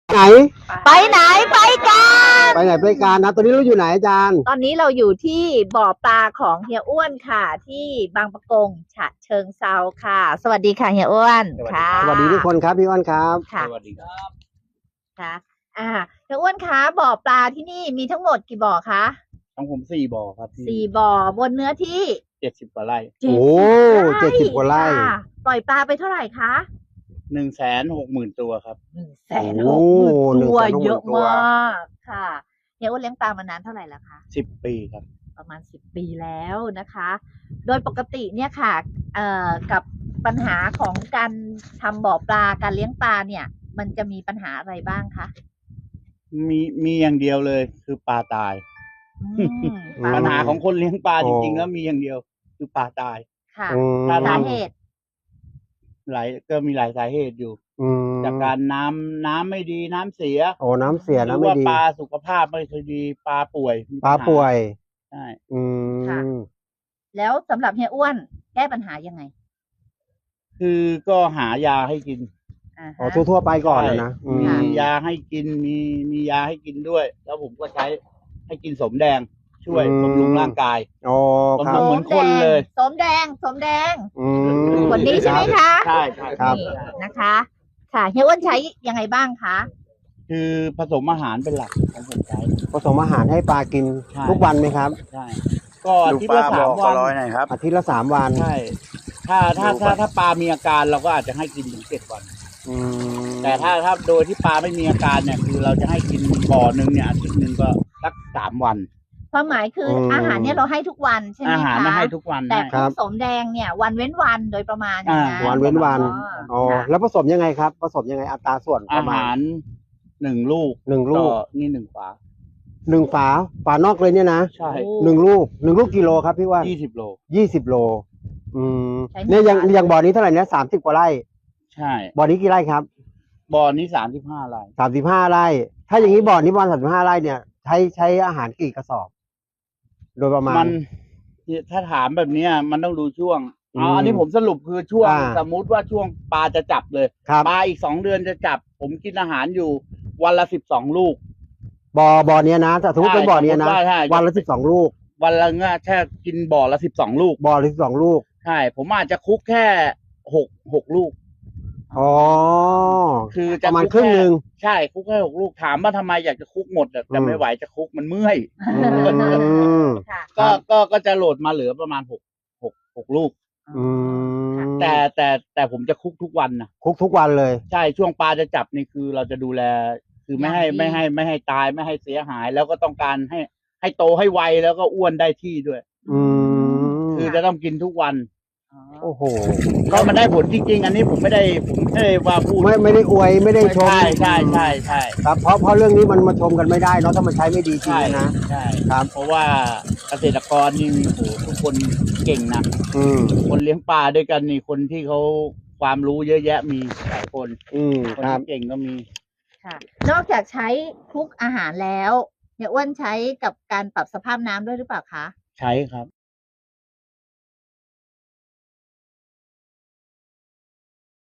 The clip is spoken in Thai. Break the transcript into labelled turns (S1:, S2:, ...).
S1: ไหน
S2: ไปไหนไปกัน
S1: ไปไหนไปการนะตอนนี้เราอยู่ไหนอาจารย์
S2: ตอนนี้เราอยู่ที่บ่อปลาของเฮียอ้วนค่ะ ที่บางปะกงฉะเชิงเซาค่ะ สวัสดีค่ะเฮียอ้วนค่ะ
S1: สวัสดีทุกคนครับพี่อ้วนครับ
S2: ค่ะ
S3: สวัสดีครับ
S2: ค่ะเฮียอ้วนคะบ่อปลาที่นี่มีทั้งหมดกี่บ่อคะ
S3: ของผม4 บ่อครับ
S2: สี่บ่อบนเนื้อที่
S3: 70 กว่าไร่
S1: โอ้70 กว่าไร่
S2: ค่ะปล่อยปลาไปเท่าไหร่คะ
S3: 160,000 ตัวครับ
S2: 160,000 ตัว
S1: 160,000
S2: เยอะ
S1: ตัว
S2: มากค่ะเฮียอ้วนเลี้ยงปลามานานเท่าไหร่แล้วคะ
S3: 10 ปีครับ
S2: ประมาณ10 ปีแล้วนะคะ โดยปกติเนี่ยค่ะกับปัญหาของการทำบ่อปลาการเลี้ยงปลาเนี่ย มันจะมีปัญหาอะไรบ้างคะ
S3: มีอย่างเดียวเลยคือปลาตาย
S2: ปล
S3: ปัญหาของคนเลี้ยงปลา
S1: โอ้
S3: จริงๆแล้วมีอย่างเดียว คือปลาตาย
S2: ค่ะ
S1: อืม
S2: สาเหตุ
S3: ก็มีหลายสาเหตุอยู่
S1: อืม
S3: จากการน้ำไม่ดีน้ำเสีย
S1: โอ้น้ำเสีย
S3: หรื
S1: น้ำ
S3: อ
S1: ไม่
S3: ว่า
S1: ดี
S3: ปลาสุขภาพไม่ค่อยดีปลาป่วยมี
S1: ปลา
S3: ญห
S1: ป่วย
S3: ใช่
S1: อื
S2: ค่ะ
S1: ม
S2: แล้วสำหรับเฮียอ้วนแก้ปัญหายังไง
S3: คือก็หายาให้กิน
S1: อ๋อทั่วๆไปก่อนนะอืม
S3: มียาให้กินมียาให้กินด้วย แล้วผมก็ใช้ให้กินสมแดงช่วยบำรุงร่างกาย
S1: อ๋อครับ
S3: เหมือนคนเลย
S2: สมแดง
S1: อืม
S2: คนนี้ใช่ไหมคะ
S3: ใช่
S1: ครับ
S2: นี่นะคะ ค่ะเฮียอ้วนใช้ยังไงบ้างคะ
S3: คือผสมอาหารเป็นหลักของผมใช้
S1: ผสมอาหารให้ปลากิน
S3: ใช่
S1: ทุกวันไหมครับ
S3: ใช่ ก็อาทิตย์ละ3 วัน
S1: อาทิตย์ละ3 วัน
S3: ใช่ ถ้าปลามีอาการเราก็อาจจะให้กินถึง7 วัน
S1: อืม
S3: แต่ถ้าโดยที่ปลาไม่มีอาการเนี่ยคือเราจะให้กินบ่อหนึ่งเนี่ยอาทิตย์หนึ่งก็สัก3 วัน
S2: ความหมายคืออาหารเนี่ยเราให้ทุกวันใช่ไหม
S3: อาหาร
S2: คะ
S3: มาให้ทุกวัน
S2: แต่
S3: ให้
S2: พวกสมแดงเนี่ยวันเว้นวันโดยประมาณอย่างนั้น
S1: วันเว้นวัน อ๋อ
S2: ค่ะ
S1: แล้วผสมยังไงครับ ผสมยังไงอัตราส่วนป
S3: อา
S1: ระมา
S3: หา
S1: ณ
S3: ร1 ลูก
S1: 1 ลูก
S3: นี่1 ฝา
S1: 1 ฝา ฝานอกเลยเนี่ยนะ
S3: ใช่
S1: 1 ลูก 1 ลูกกิโลครับพี่ว่า
S3: 20 โล
S1: 20 โล อืม
S2: ใช้
S1: เนี่ยยัง
S2: 1
S1: ยังบ่อนี้เท่าไหร่เนี่ย30 กว่าไร่
S3: ใช่
S1: บ่อนี้กี่ไร่ครับ
S3: บ่อนี้35 ไร่
S1: 35 ไร่ ถ้าอย่างนี้บ่อนี้ประมาณ35 ไร่เนี่ยใช้อาหารกี่กระสอบ โดยประมาณ
S3: มันถ้าถามแบบเนี้ยมันต้องดูช่วง
S1: อืม
S3: อันนี้ผมสรุปคือช่วง
S1: อ่า
S3: สมมุติว่าช่วงปลาจะจับเลย
S1: ครับ
S3: ปลาอีก2 เดือนจะจับ ผมกินอาหารอยู่วันละ12 ลูก
S1: บ่อเนี้ยนะถ้าสมมติเป็นบ่อเนี้ยนะ
S3: ใช่
S1: วันละ12 ลูก
S3: วันละเงี้ยแค่กินบ่อละ12 ลูก
S1: บ่อละ12 ลูก
S3: ใช่ ผมอาจจะคุกแค่6 ลูก
S1: อ๋อ
S3: คือ
S1: ป
S3: จะ
S1: ระมาณ
S3: คุก
S1: ครึ่งหนึ่ง
S3: ใช่คุกแค่6 ลูกถามว่าทำไมอยากจะคุกหมดอะแต่
S1: อืม
S3: ไม่ไหวจะคุกมันเมื่อย
S1: อืม
S2: ค่ะ
S3: ก็จะโหลดมาเหลือประมาณ6 ลูก
S1: อืม
S3: แต่ผมจะคุกทุกวันนะ
S1: คุกทุกวันเลย
S3: ใช่ช่วงปลาจะจับนี่คือเราจะดูแล คือไม่ให้
S2: อย่างดี
S3: ไม่ให้ตายไม่ให้เสียหาย แล้วก็ต้องการให้โตให้ไวแล้วก็อ้วนได้ที่ด้วย
S1: อืม
S3: คือจะต้องกินทุกวัน
S1: โอ้โห
S3: ก็มันได้ผลจริง ๆ อันนี้ผมไม่ได้ว่าพูด
S1: ไม่ได้อวยไม่ได้ชม
S3: ใช่ใช่
S1: ครับเพราะเรื่องนี้มันมาชมกันไม่ได้เนาะถ้ามันใช้ไม่ดีจริง
S3: ใช่
S1: นะ
S3: ใช่
S1: ครับ
S3: เพราะว่าเกษตรกรนี่โอ้โหทุกคนเก่งนะ
S1: อืม
S3: คนเลี้ยงปลาด้วยกันนี่คนที่เขาความรู้เยอะแยะมีหลายคน
S1: อืม
S3: คน
S1: ครับ
S3: ที่เก่งก็มี
S2: ค่ะ นอกจากใช้คลุกอาหารแล้วเฮียอ้วนใช้กับการปรับสภาพน้ำด้วยหรือเปล่าคะ
S3: ใช้ครับ